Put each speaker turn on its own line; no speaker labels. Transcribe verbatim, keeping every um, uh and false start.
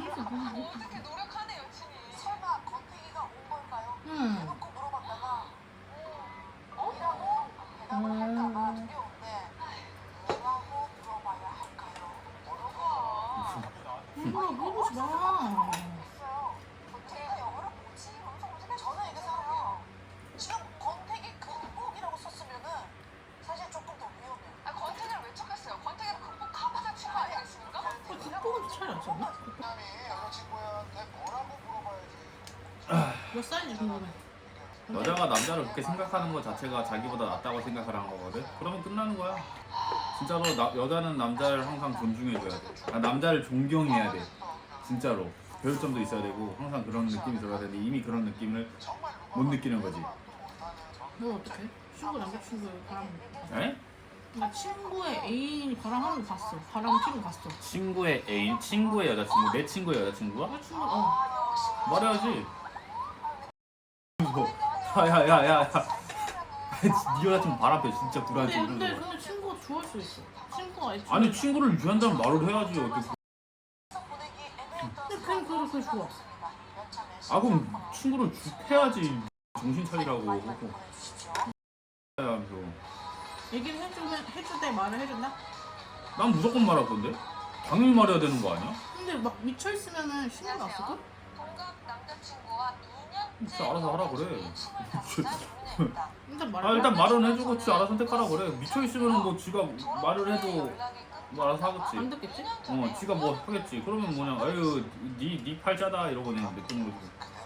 했어.
어떻게 노력하네 열심히.
설마 권태기가 온 걸까요?
응.
대놓고 물어봤다가 뭐라고 대답을 할까봐 두려운데 뭐라고 물어봐야 할까요?
뭐라고?
일부러 물어보지 마.
글쎄요. 권태기가 영어로 뭐지? 엄청 무슨 저는 이렇게 생각해요. 지금 권태기 극복이라고 썼으면은 사실 조금 더 위험해요.
아 권태기를 왜 척했어요? 권태기를 극복하고자 친구 아니겠습니까?
어, 극복은 차이 안 쳤나?
남이 여자친구한테 뭐라고 물어봐야지.
몇 살인지 궁금해.
여자가 남자를 그렇게 생각하는 것 자체가 자기보다 낫다고 생각하는 거거든? 그러면 끝나는 거야. 진짜로 나, 여자는 남자를 항상 존중해줘야 돼. 아, 남자를 존경해야 돼. 진짜로. 배울 점도 있어야 되고 항상 그런 느낌이 들어야 되는데 이미 그런 느낌을 못 느끼는 거지.
너 어떡해? 친구 남자친구의 바람.
에?
나 친구의 애인이 바람하는 거 봤어. 바람 피는 거 봤어.
친구의 애인, 친구의 여자친구, 내 친구의 여자친구가?
내 친구 어.
말해야지. 야야야야. 네 여자친구 바람 피 진짜 불안해.
근데 근데 근데 친구가 좋아할 수 있어. 친구가 애초에.
아니 친구를 유한다는 말을 해야지. 어떻게.
근데 그냥 그래 그게 좋아.
아 그럼 친구를 주, 해야지. 정신 차리라고. 하면서.
얘기를 해주면 해줄 때 말을 해준다.
난 무조건 말할 건데. 당연히 말해야 되는 거 아니야?
근데 막 미쳐 있으면은 신경 안 쓸걸?
동갑 남자친구와 이 년째
진짜 알아서 하라 그래.
일단 말.
아 일단 말은 해주고 지 알아서 선택하라 그래. 미쳐 있으면 뭐 지가 말을 해도 뭐 알아서
안
하겠지.
듣겠지?
어 지가 뭐 하겠지. 그러면 뭐냐 아유 니니 팔자다 이러고 그냥 냅두는 거지.